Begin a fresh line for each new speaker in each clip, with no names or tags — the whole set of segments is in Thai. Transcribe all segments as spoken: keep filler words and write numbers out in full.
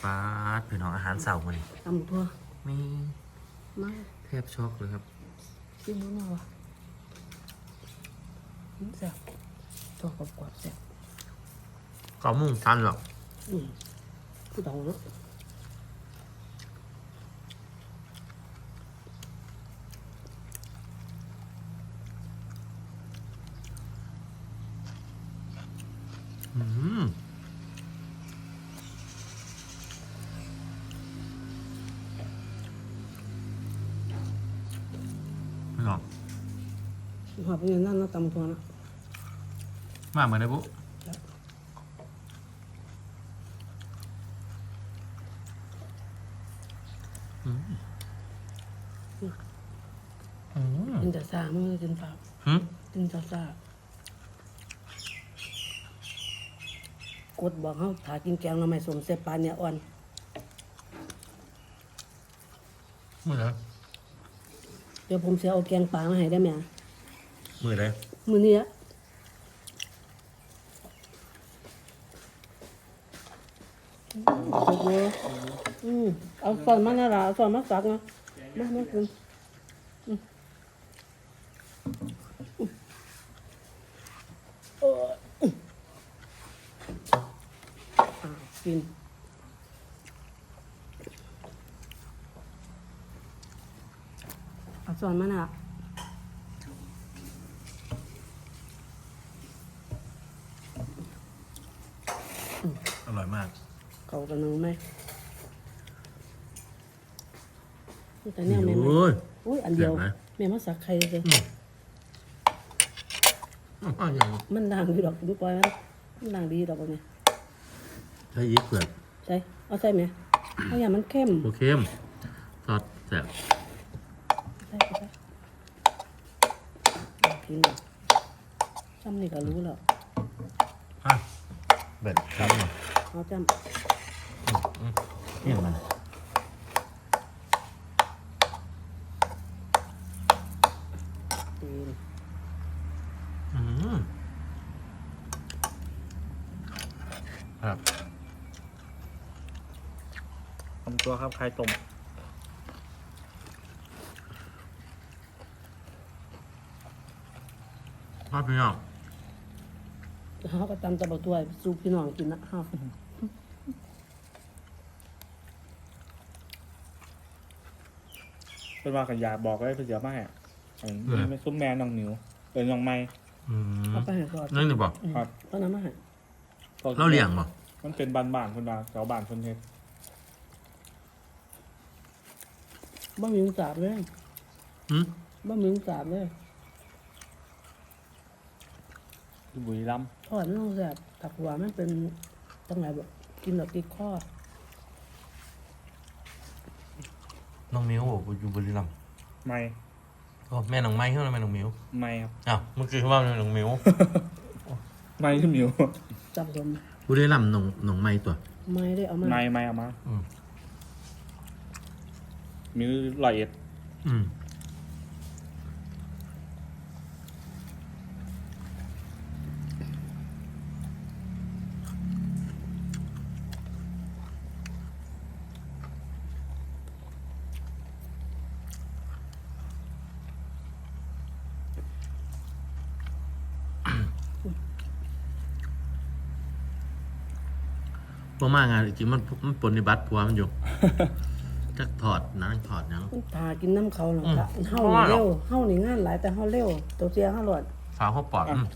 ปาดพี่น้องอาหารเสาร์มัน
ตำทั่ว
มี
มา
แทบช็อกเลยครับ
ซิมมาวะแซ่บตัวกรอบๆแซ่บ
ก็มุ่งทันหรอก
อืมผู้ดองเนาะ
อืมพี่น้อง
หอบเป็นอย่างนั้นเนาะตำทั่วเนาะ
มาเหมือนไอ้บุ๊อืมอืม
กินแต่ซามันก็กินเปล่า
หืม
กินซาซากดบอกเขาถากินแกงเราไม่สมเสพปลาเนี่ยอ่อน
มือไหน
เดี๋ยวผมจะเอาแกงปลามาให้ได้ไหมอะ
มือไหน
มือนี้อะโอ้โหอืมเอาซอนมาหน้าละเอาซอนมาสักนะมามากินอืมอืมเอออืมอ่ากินเอาซอนมาหน้า
อร่อยมาก
เขากันนึงไหมแต่เนี่ยแม่มา
โอ้ย
อุ้ยอันเดียว
เจ็บไหม
แม่มาสักใครเลย
อืมอ๋ออย่าง
มันดังดีดอกดูปล่อยมันมันดังดีดอกเนี่ย
ใช้ยีสต์เผือก
ใช่เอาใส่ไหมเอาอย่างมันเข้ม
โอเคมซอสแซ่บ
ใส่ไปเอากินเลยจำนี่ก็รู้แล้ว
ฮะเบ็ดครับหน่อย
เอาจ
เนี่ยมัน
ำกิน
อืมครับ
ทำตัวครับไข่ต้ม
พ่อพี่น้อง
เขาก็ตำตะบักตัวสูบพี่น้องกินนะฮะ
เป็นว่ากันยาบอกไว้เพื่อเสียมาให้อันนี้ไม่ซุ้มแม่น้องหนิวเป็นน้องไม้
อืม
เอาไปให้ก่อน
นั่นหรือเปล่า
ครับ
เอาน้ำมาให้
เราเลี้ยงบ่
มันเป็นบ้านบ้านๆคนดาแถวบ้านคนเฮ็ด
บ่มีสาบเลย
อืม
บ่มีสาบเลย
ที่บุรีรัมย์
ทอดไม่ต้องแสบถักหัวมันเป็นตั้งไหนแบบกินแบบติดข้อ
น้องมิวบอกอยู่บุรีรัมย์
ไม้
โอ้แม่น้องไม้เขาแม่น้องมิว
ไม้ครับ
อ้าวเมื่อกี้เขาว่าแม่น้องมิว
ไม้ที่หมิว
จำสม
บุรีรัมย์น้องน้องไม้ตัว
ไม่ได้เอามา
ไม้ไม้เอามา
อืม
มิวลอยเอ็ด
อืมพวกมางานจริงๆมันมันปฏิบัติผัวมันอยู่ จักถอดนังถอดหยัง
ทากินน้ำเขาหรอก
อืม
ค่ะเฮานี่เร็วเฮานี่งานหลายแต่เฮาเร็วตัวเสียเฮาหลอด
ฝาเขาปอดอืม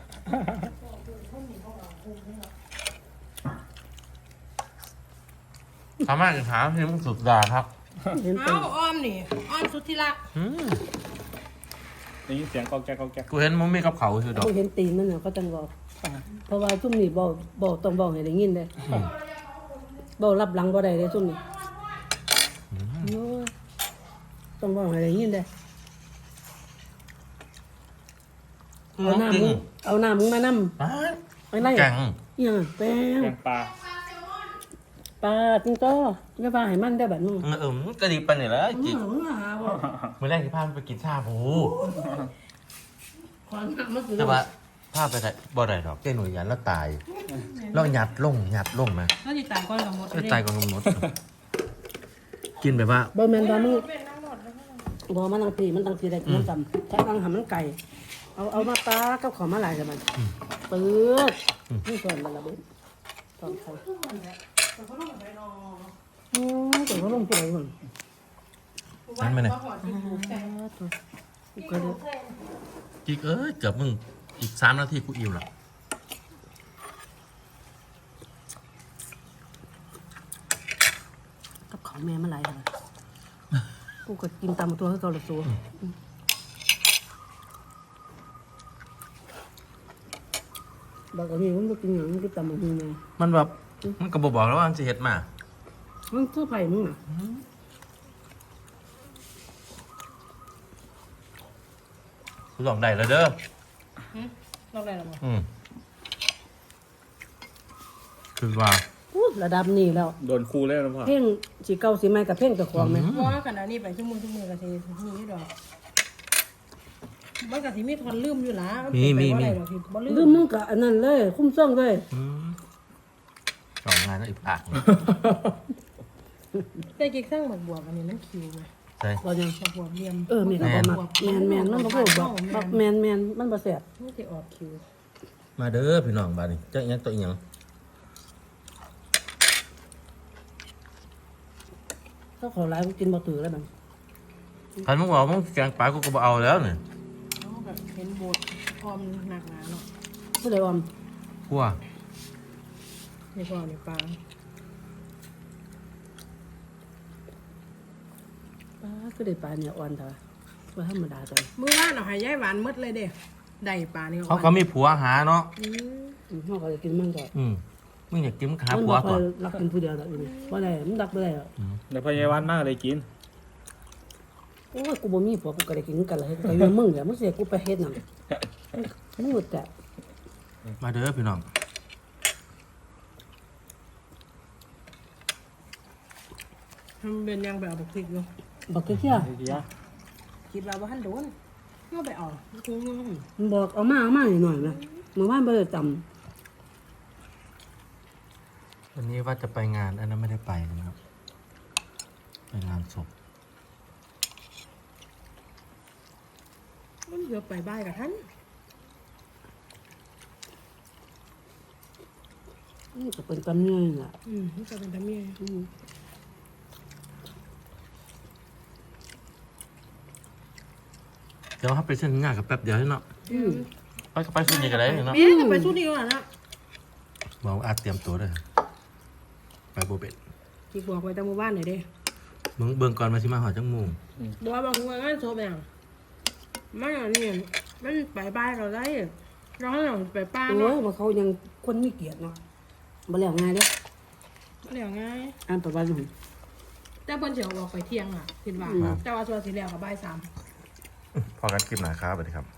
สามารถจะถามที่มึงสุดดาครับ
เห็นเป็
เอา
น
อ้อมนี่อ้อมสุดที่รัก
อืม
ได้ยินเสียงกอกแก๊กกอกแก๊ก
กูเห็นมึงมีกับเขาคือดอก
เขาเห็นตีนมันน่ะเขาจังบอกเพราะว่าซุ่มนี่บ่บ่ต้องบอกให้ได้ยินเด้บ่รับหลังบ่ได้เด้ซุ่มนี่โอ้ยต้องบอกให้ได้ยินเด้เอาหน้ามึงเอาหน้ามึงมานำ
อ้า
ไปไล่
แกง
อีหยังแป้ง
แกงปลา
ปลาจิงโจ้อย่าว่าให้มันได้บัดมึง
เออเออมันก็ดีไปเนี่ยแหล้วจิต
มึงหาบ่
เมื่อแรกที่พามันไปกินชาบู
ขอน้ำมาสิ
แต่ว่าพาไปได้บ่ได้ดอกเจ้หนุ่ยยันแล้วตายแล้วหยัดลงหยัดลงนะ
น่าจะตายก่อนกับหมด
แล้วตายก่อนกำหนดกินแบบว่า
บ่แม่นว่ามึง
เป็นนั่งหมดแล้วก็
บ่มันตั้งทีมันตั้งทีได้กินจำถ้าตั้งหามันไก่เอาเอามาตากับของมาหลายกันมันปื๊ดนี่ส่วนมันละเบิ้ตอนใครอืมแต่เขาลงไปเลยมัน
นั่นไหมเนี่ย
ก็หอดที่ผูกแต่
กูก็เลย
จิกเอ้ยเกือบมึงอีกสามนาทีกูอิ่มแล้ว
กับของแม่มาหลายกันกูก็กินตามตัวให้เขาละตัวบอกว่านี่มันก็กินอย่างนี้กินตามมึงไง
มันแบบมันก็บบอกแล้วว่ามันจะเห็ดมา
มันเสื้อไผ่มึงอ่ะ
กูลองได้แล้วเด้อ
เราอะไรหรอ
อืมคือว่า
อู้ระดับนี้แล้ว
โดนครูเล่นนะพ่อ
เพ่งสีเก่าสีใหม่กับเพ่งกับของไหม
เพราะว่าขณะนี้ไปชั่วโมงชั่วโมงกับทีนี้ดอกมันกับทีมีทอนลืมอยู่ละบ่ลื
ลืม
ม
มึงกับอันนั้นเลย คุ้มซ่องเลย
อืมสองงานแล้วอีกปากหนึ่ง
แต่กิ๊กสร้างหมกบวบอันนี้มันคิวไหม
ใช่
เรายัง
หมกบวบเรียม
เออมีกับบ่มักแมนแมนมันบ่พูดบอกบอกแมนแมนมันบ่แซ่บ
ไม่จะออกคิว
มาเด้อพี่น้องบ้านนี้เจ้าอีหยังตัวอีหยัง
ถ้าขอหลายกูกินบ่ถือแล้วมัน
คันมึงบอกมึงแกงปลากูก็บ่เอาแล้วเนี่ย
แบบเห็นบทออมหนักหนาเนาะ
ผู้ใดออม
พัว
ในพอในปลา
ป้าคือได้ปลาเนี่ยอ่อนแต่ว่าว่าธรรมดาจัง
มื้อว่านเอาให้ยายหวานมืดเลยเด้ได้ปลานี่
เขาก็มีผัวหาเนาะ
อืม
อืมเฮาก็จะกินมันก็
อืมมึงอยากกินมึงหา
มัน
ผั
บ่
ว
ค่
ก่
อ
อย น
รักกินผู้เดียวดอกอยู่นี่บ่ได้มันรักบ่ได้หรอก
ในพยาบาลมากเลยกิน
โอ้ยกูบ่มีผัวกูก็ได้กินกันแล้วก็อยู่มึงเดี๋ยวมึงเสียกูไปเฮ็ดนั่นมึงหมดแต่
มาเด้อพี่น้อง
มันเป็นยังแบบเอาพริกอยู่
บักเที่ย
ไอ้เดีย
คิดว่าบ่ทันโดนก็ไปออกคุ้งเงิน
มันบอกเอามาเอามาหน่อยๆนะเมื่อวานบ่ได้จำ
วันนี้ว่าจะไปงานอันนั้นไม่ได้ไปนะครับไปงานศพ
มันเดี๋ยวไปบ้านกับท่าน
นี่ก็เป็นตำเนียงล่ะ
อืมมันจะเป็นทำเมีย
อืม
เดี๋ยวเขาไปเส้นงานกับแป๊บเดียวให้เนาะ
อืม
ไปก็ไปสุดนี่ก็ได้เนาะ
เมียก็ไปสู้ดีกว่านะ
บอกว่าอาจเตรียมตัวด้วยไปโบเป็ด
ที่บอกไปตามหมู่บ้านหน่อยเด้
มึงเบิ่งก่อนมาสิมาหอจังมุง
บอกว่าบอกว่างานโซบอย่างมันอย่างนี้มันไปบ้านเราได้เราให้เราไปป้า
โอ้
เนาะ
ยว่าเขายังคนมีเกียรติเนาะบ่แล้วง่ายเด้
เดี๋ยวง่าย
อ่านประวัติมัน
แต่เพิ่นเสียวออกไปเที่ยงอ่ะคิดว่าแต่ว่าส่วนสีเหลืองกับบ่ายสาม
พอกันคลิปหนาครับสวัสดีครับ